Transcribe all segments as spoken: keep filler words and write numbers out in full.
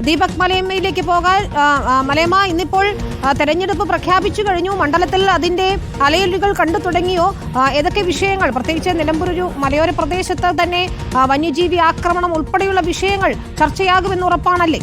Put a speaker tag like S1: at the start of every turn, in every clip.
S1: ദീപക് മലയമ്മയിലേക്ക് പോകാൻ. മലയമ്മ, ഇന്നിപ്പോൾ തെരഞ്ഞെടുപ്പ് പ്രഖ്യാപിച്ചു കഴിഞ്ഞു. മണ്ഡലത്തിൽ അതിന്റെ അലയലുകൾ കണ്ടു തുടങ്ങിയോ? ഏതൊക്കെ വിഷയങ്ങൾ, പ്രത്യേകിച്ച് നിലമ്പൂർ ഒരു മലയോര പ്രദേശത്ത് തന്നെ വന്യജീവി ആക്രമണം ഉൾപ്പെടെയുള്ള വിഷയങ്ങൾ ചർച്ചയാകുമെന്ന് ഉറപ്പാണല്ലേ?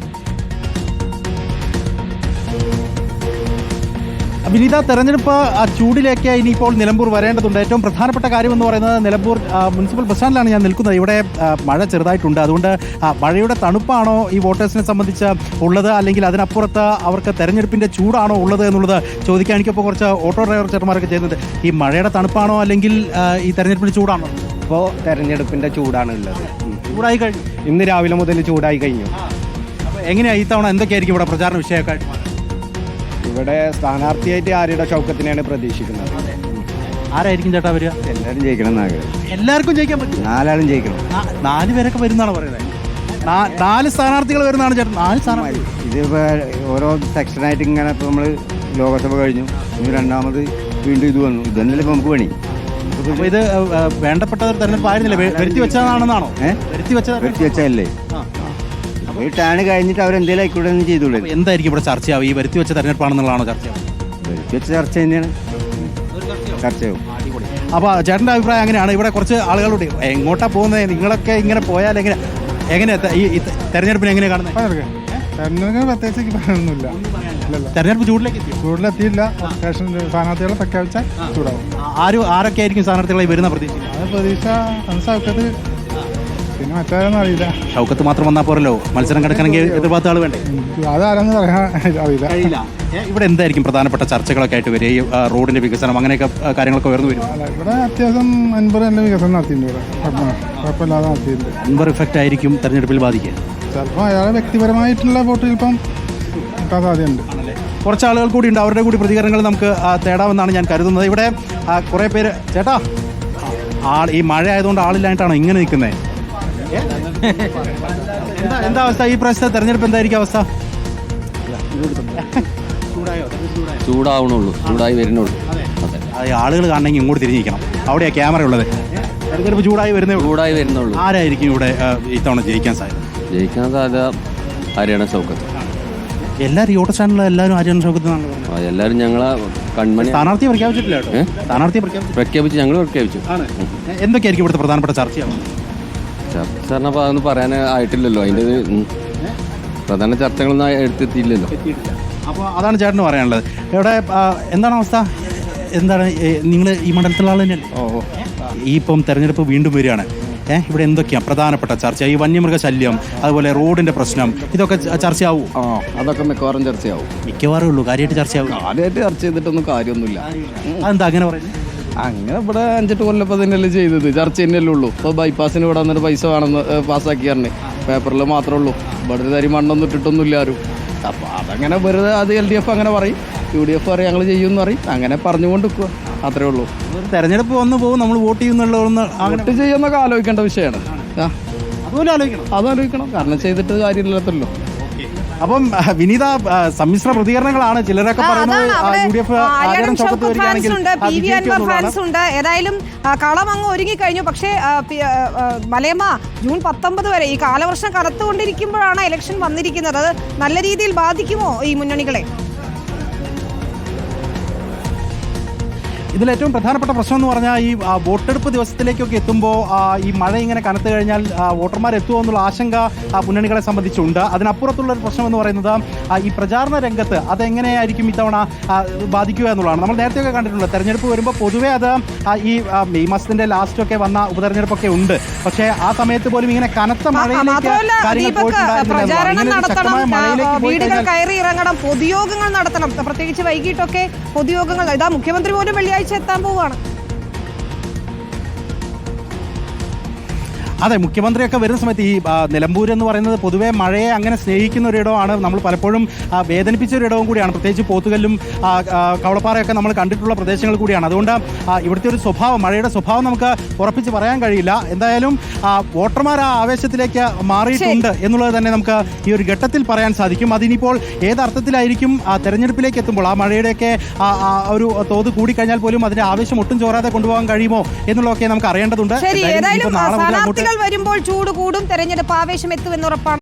S2: വിനീത, തെരഞ്ഞെടുപ്പ് ചൂടിലേക്ക് ഇനിയിപ്പോൾ നിലമ്പൂർ വരേണ്ടതുണ്ട്. ഏറ്റവും പ്രധാനപ്പെട്ട കാര്യമെന്ന് പറയുന്നത് നിലമ്പൂർ മുനിസിപ്പൽ ബസ് സ്റ്റാൻഡിലാണ് ഞാൻ നിൽക്കുന്നത്. ഇവിടെ മഴ ചെറുതായിട്ടുണ്ട്. അതുകൊണ്ട് മഴയുടെ തണുപ്പാണോ ഈ വോട്ടേഴ്സിനെ സംബന്ധിച്ച് ഉള്ളത്, അല്ലെങ്കിൽ അതിനപ്പുറത്ത് അവർക്ക് തെരഞ്ഞെടുപ്പിൻ്റെ ചൂടാണോ ഉള്ളത് എന്നുള്ളത് ചോദിക്കാൻ എനിക്കിപ്പോൾ കുറച്ച് ഓട്ടോ ഡ്രൈവർ ചേട്ടന്മാരൊക്കെ ചെയ്യുന്നുണ്ട്. ഈ മഴയുടെ തണുപ്പാണോ അല്ലെങ്കിൽ ഈ തെരഞ്ഞെടുപ്പിൻ്റെ ചൂടാണോ?
S3: ഇപ്പോൾ തെരഞ്ഞെടുപ്പിൻ്റെ ചൂടാണ് ഉള്ളത്.
S2: ചൂടായി കഴിഞ്ഞു.
S3: ഇന്ന് രാവിലെ മുതൽ ചൂടായി കഴിഞ്ഞു.
S2: അപ്പോൾ എങ്ങനെയാണ് ഈ തവണ എന്തൊക്കെയായിരിക്കും ഇവിടെ പ്രചാരണ വിഷയമൊക്കെ?
S3: ഇവിടെ സ്ഥാനാർത്ഥിയായിട്ട് ആരുടെ ഷൗക്കത്തിനെയാണ് പ്രതീക്ഷിക്കുന്നത്.
S2: ആരായിരിക്കും ചേട്ടാ വരിക?
S3: എല്ലാവരും ജയിക്കണം എന്നാഗ്രഹം.
S2: എല്ലാവർക്കും ജയിക്കാൻ പറ്റും.
S3: നാലാളും ജയിക്കണം.
S2: നാല് പേരൊക്കെ വരുന്നതാണ് പറയുന്നത്. നാല് സ്ഥാനാർത്ഥികൾ വരുന്നതാണ് ചേട്ടൻ. നാല് സ്ഥാനാർത്ഥി.
S3: ഇതിപ്പോൾ ഓരോ സെക്ഷനായിട്ട് ഇങ്ങനെ ഇപ്പോൾ നമ്മൾ ലോകസഭ കഴിഞ്ഞു, ഇനി രണ്ടാമത് വീണ്ടും ഇത് വന്നു. ഇത് തന്നെയല്ലേ ഇപ്പോൾ നമുക്ക് പണി.
S2: അപ്പോൾ ഇത് വേണ്ടപ്പെട്ട ഒരു തെരഞ്ഞെടുപ്പ് ആയിരുന്നില്ല, വരുത്തി വെച്ചതാണെന്നാണോ?
S3: ഏഹ് വരുത്തി വെച്ചത് വരുത്തി വെച്ചതല്ലേ. ഈ ടാണ് കഴിഞ്ഞിട്ട് അവരെന്തെങ്കിലും ആയിക്കൂടെ ചെയ്തോളൂ.
S2: എന്തായിരിക്കും ഇവിടെ ചർച്ചയാവും? ഈ വരുത്തി വെച്ച തെരഞ്ഞെടുപ്പാണെന്നുള്ളതാണോ ചർച്ചയാവും?
S3: വരുത്തി വെച്ച ചർച്ച തന്നെയാണ്, ചർച്ചയാവും.
S2: അപ്പോൾ ചേട്ടൻ്റെ അഭിപ്രായം അങ്ങനെയാണ്. ഇവിടെ കുറച്ച് ആളുകളോട് എങ്ങോട്ടാ പോകുന്നത്, നിങ്ങളൊക്കെ ഇങ്ങനെ പോയാൽ എങ്ങനെ എങ്ങനെ ഈ തെരഞ്ഞെടുപ്പിനെ എങ്ങനെയാണ് കാണുന്നത്?
S4: തെരഞ്ഞെടുപ്പിന് പ്രത്യേകിച്ച് പറയാനൊന്നുമില്ല.
S2: തെരഞ്ഞെടുപ്പ് ചൂടിലേക്ക് എത്തി
S4: ചൂടിലെത്തിയില്ല. സ്ഥാനാർത്ഥികളെ പ്രഖ്യാപിച്ചാൽ ചൂടാവും.
S2: ആരും ആരൊക്കെ ആയിരിക്കും സ്ഥാനാർത്ഥികളായി വരുന്ന പ്രതീക്ഷ?
S4: അത് പ്രതീക്ഷ ഷൗക്കത്ത്, പിന്നെ മറ്റാരൊന്നും അറിയില്ല.
S2: ഷൗക്കത്ത് മാത്രം വന്നാൽ പോരല്ലോ, മത്സരം കിടക്കണമെങ്കിൽ എതിർഭാഗത്ത് ആൾ വേണ്ടേ?
S4: അതാരെന്ന് പറയാൻ അറിയില്ല.
S2: ഇവിടെ എന്തായിരിക്കും പ്രധാനപ്പെട്ട ചർച്ചകളൊക്കെ ആയിട്ട് വരിക? ഈ റോഡിന്റെ വികസനം അങ്ങനെയൊക്കെ കാര്യങ്ങളൊക്കെ ഉയർന്നു വരും.
S4: ഇവിടെ അത്യാവശ്യം അൻപത് നല്ല വികസനം നടത്തിയിട്ടുണ്ട്. ഇവിടെ കുഴപ്പമില്ലാതെ നടത്തിയിട്ടുണ്ട്.
S2: അൻപത് ഇഫക്റ്റ് ആയിരിക്കും തെരഞ്ഞെടുപ്പിൽ ബാധിക്കുക.
S4: ചിലപ്പോൾ അയാളെ വ്യക്തിപരമായിട്ടുള്ള വോട്ട് ചിലപ്പം കിട്ടാൻ സാധ്യതയുണ്ട്.
S2: കുറച്ച് ആളുകൾ കൂടി ഉണ്ട്, അവരുടെ കൂടി പ്രതികരണങ്ങൾ നമുക്ക് തേടാമെന്നാണ് ഞാൻ കരുതുന്നത്. ഇവിടെ കുറേ പേര്, ചേട്ടാ ആൾ ഈ മഴ ആയതുകൊണ്ട് ആളില്ലായിട്ടാണോ ഇങ്ങനെ നിൽക്കുന്നത്? എന്താ എന്താ അവസ്ഥ? ഈ പ്രാവശ്യത്തെ തെരഞ്ഞെടുപ്പ് എന്തായിരിക്കും അവസ്ഥ?
S5: ചൂടാവണുള്ളൂ, ചൂടായി വരുന്നുള്ളൂ.
S2: അതെ, ആളുകൾ കാണണമെങ്കിൽ ഇങ്ങോട്ട് തിരിഞ്ഞിരിക്കണം. അവിടെയാണ് ക്യാമറ ഉള്ളത്. തെരഞ്ഞെടുപ്പ് ചൂടായി വരുന്നേ
S5: ചൂടായി വരുന്നുള്ളൂ.
S2: ആരായിരിക്കും ഇവിടെ ഇത്തവണ ജയിക്കാൻ സാധ്യത?
S5: ജയിക്കാൻ സാധ്യത ഹരിയാണ ഷൗക്കത്ത്.
S2: എല്ലാവരും യൂട്യൂബ് ചാനലിൽ എല്ലാവരും ഹരിയാണ ഷൗക്കത്ത്
S5: എല്ലാവരും ഞങ്ങളെ കൺമണി.
S2: സ്ഥാനാർത്ഥിയെ പ്രഖ്യാപിച്ചിട്ടില്ല കേട്ടോ. സ്ഥാനാർത്ഥിയെ പ്രഖ്യാപിച്ചു
S5: പ്രഖ്യാപിച്ച് ഞങ്ങൾ പ്രഖ്യാപിച്ചു.
S2: എന്തൊക്കെയായിരിക്കും ഇവിടുത്തെ പ്രധാനപ്പെട്ട ചർച്ചയാവും?
S5: ചർച്ച പറഞ്ഞപ്പോൾ അതൊന്നും പറയാൻ ആയിട്ടില്ലല്ലോ. അതിൻ്റെ പ്രധാന ചർച്ചകളൊന്നും എടുത്തെത്തിയില്ലല്ലോ.
S2: അപ്പോൾ അതാണ് ചേട്ടന് പറയാനുള്ളത്. ഇവിടെ എന്താണ് അവസ്ഥ? എന്താണ് നിങ്ങൾ ഈ മണ്ഡലത്തിലുള്ള ആൾ തന്നെയല്ലേ? ഓ, ഈ ഇപ്പം തെരഞ്ഞെടുപ്പ് വീണ്ടും വരികയാണ്. ഏഹ് ഇവിടെ എന്തൊക്കെയാണ് പ്രധാനപ്പെട്ട ചർച്ച? ഈ വന്യമൃഗ ശല്യം, അതുപോലെ റോഡിന്റെ പ്രശ്നം, ഇതൊക്കെ ചർച്ചയാവും.
S5: ആ, അതൊക്കെ മിക്കവാറും ചർച്ചയാവും.
S2: മിക്കവാറും ഉള്ളൂ, കാര്യമായിട്ട് ചർച്ചയാവും.
S5: കാര്യമായിട്ട് ചർച്ച ചെയ്തിട്ടൊന്നും കാര്യമൊന്നുമില്ല.
S2: അതെന്താ അങ്ങനെ പറയുന്നത്?
S5: അങ്ങനെ ഇവിടെ അഞ്ചെട്ട് കൊല്ലപ്പോൾ തന്നെയല്ലേ ചെയ്തത്, ചർച്ച തന്നെയല്ലേ ഉള്ളൂ. ഇപ്പോൾ ബൈപ്പാസിന് ഇവിടെ വന്നിട്ട് പൈസ വേണമെന്ന് പാസ്സാക്കി പറഞ്ഞേ, പേപ്പറിൽ മാത്രമേ ഉള്ളൂ. ഇവിടെ ഒരു തരി മണ്ണൊന്നും ഇട്ടിട്ടൊന്നുമില്ല ആരും. അപ്പോൾ അതങ്ങനെ വെറുതെ അത് എൽ ഡി എഫ് അങ്ങനെ പറയും, യു ഡി എഫ് പറയും ഞങ്ങൾ ചെയ്യുമെന്ന് പറയും, അങ്ങനെ പറഞ്ഞുകൊണ്ട് നിൽക്കുക, അത്രേ ഉള്ളൂ.
S2: തെരഞ്ഞെടുപ്പ് വന്നു പോകും, നമ്മൾ വോട്ട് ചെയ്യുന്നുള്ളതൊന്ന്
S5: വോട്ട് ചെയ്യുന്നൊക്കെ ആലോചിക്കേണ്ട വിഷയമാണ്. ആ,
S2: അതുപോലെ ആലോചിക്കണം.
S5: അതാലോചിക്കണം, കാരണം ചെയ്തിട്ട് കാര്യമില്ലല്ലോ.
S2: അപ്പം വിനീത, സമ്മിശ്ര പ്രതികരണങ്ങളാണ്. ചിലരൊക്കെ
S1: പറയുന്നത്. ഏതായാലും കളം അങ്ങ് ഒരുങ്ങിക്കഴിഞ്ഞു. പക്ഷേ മലയമ്മ, ജൂൺ പത്തൊമ്പത് വരെ ഈ കാലവർഷം കടത്തുകൊണ്ടിരിക്കുമ്പോഴാണ് ഇലക്ഷൻ വന്നിരിക്കുന്നത്. അത് നല്ല രീതിയിൽ ബാധിക്കുമോ ഈ മുന്നണികളെ?
S2: ഇതിലേറ്റവും പ്രധാനപ്പെട്ട പ്രശ്നം എന്ന് പറഞ്ഞാൽ ഈ വോട്ടെടുപ്പ് ദിവസത്തിലേക്കൊക്കെ എത്തുമ്പോൾ ഈ മഴ ഇങ്ങനെ കനത്തു കഴിഞ്ഞാൽ വോട്ടർമാർ എത്തുമോ എന്നുള്ള ആശങ്ക മുന്നണികളെ സംബന്ധിച്ചുണ്ട്. അതിനപ്പുറത്തുള്ളൊരു പ്രശ്നം എന്ന് പറയുന്നത് ഈ പ്രചാരണ രംഗത്ത് അതെങ്ങനെയായിരിക്കും ഇത്തവണ ബാധിക്കുക എന്നുള്ളതാണ്. നമ്മൾ നേരത്തെയൊക്കെ കണ്ടിട്ടുണ്ട്, തെരഞ്ഞെടുപ്പ് വരുമ്പോൾ പൊതുവേ അത് ഈ മെയ് മാസത്തിന്റെ ലാസ്റ്റൊക്കെ വന്ന ഉപതെരഞ്ഞെടുപ്പൊക്കെ ഉണ്ട്. പക്ഷേ ആ സമയത്ത് പോലും ഇങ്ങനെ കനത്ത മഴയിലേക്ക്
S1: വീടുകൾ കയറി ഇറങ്ങണം, പൊതുയോഗങ്ങൾ നടത്തണം. പ്രത്യേകിച്ച് വൈകിട്ടൊക്കെ പൊതുയോഗങ്ങൾ. ഇതാ മുഖ്യമന്ത്രി പോലും വെള്ളിയാഴ്ച എത്താൻ പോവുകയാണ്.
S2: അതെ, മുഖ്യമന്ത്രിയൊക്കെ വരുന്ന സമയത്ത് ഈ നിലമ്പൂർ എന്ന് പറയുന്നത് പൊതുവേ മഴയെ അങ്ങനെ സ്നേഹിക്കുന്ന ഒരിടമാണ്. നമ്മൾ പലപ്പോഴും വേദനിപ്പിച്ച ഒരിടവും കൂടിയാണ്. പ്രത്യേകിച്ച് പോത്തുകല്ലും കവളപ്പാറയൊക്കെ നമ്മൾ കണ്ടിട്ടുള്ള പ്രദേശങ്ങൾ കൂടിയാണ്. അതുകൊണ്ട് ഇവിടുത്തെ ഒരു സ്വഭാവം, മഴയുടെ സ്വഭാവം നമുക്ക് ഉറപ്പിച്ച് പറയാൻ കഴിയില്ല. എന്തായാലും വോട്ടർമാർ ആ ആവേശത്തിലേക്ക് മാറിയിട്ടുണ്ട് എന്നുള്ളത് തന്നെ നമുക്ക് ഈ ഒരു ഘട്ടത്തിൽ പറയാൻ സാധിക്കും. അതിനിപ്പോൾ ഏതർത്ഥത്തിലായിരിക്കും തെരഞ്ഞെടുപ്പിലേക്ക് എത്തുമ്പോൾ ആ മഴയുടെയൊക്കെ ഒരു തോത് കൂടിക്കഴിഞ്ഞാൽ പോലും അതിന്റെ ആവേശം ഒട്ടും ചോരാതെ കൊണ്ടുപോകാൻ കഴിയുമോ എന്നുള്ളതൊക്കെ നമുക്ക് അറിയേണ്ടതുണ്ട്.
S1: വരുമ്പോൾ ചൂട് കൂടും, തെരഞ്ഞെടുപ്പ് ആവേശം എത്തുമെന്ന് ഉറപ്പാണ്.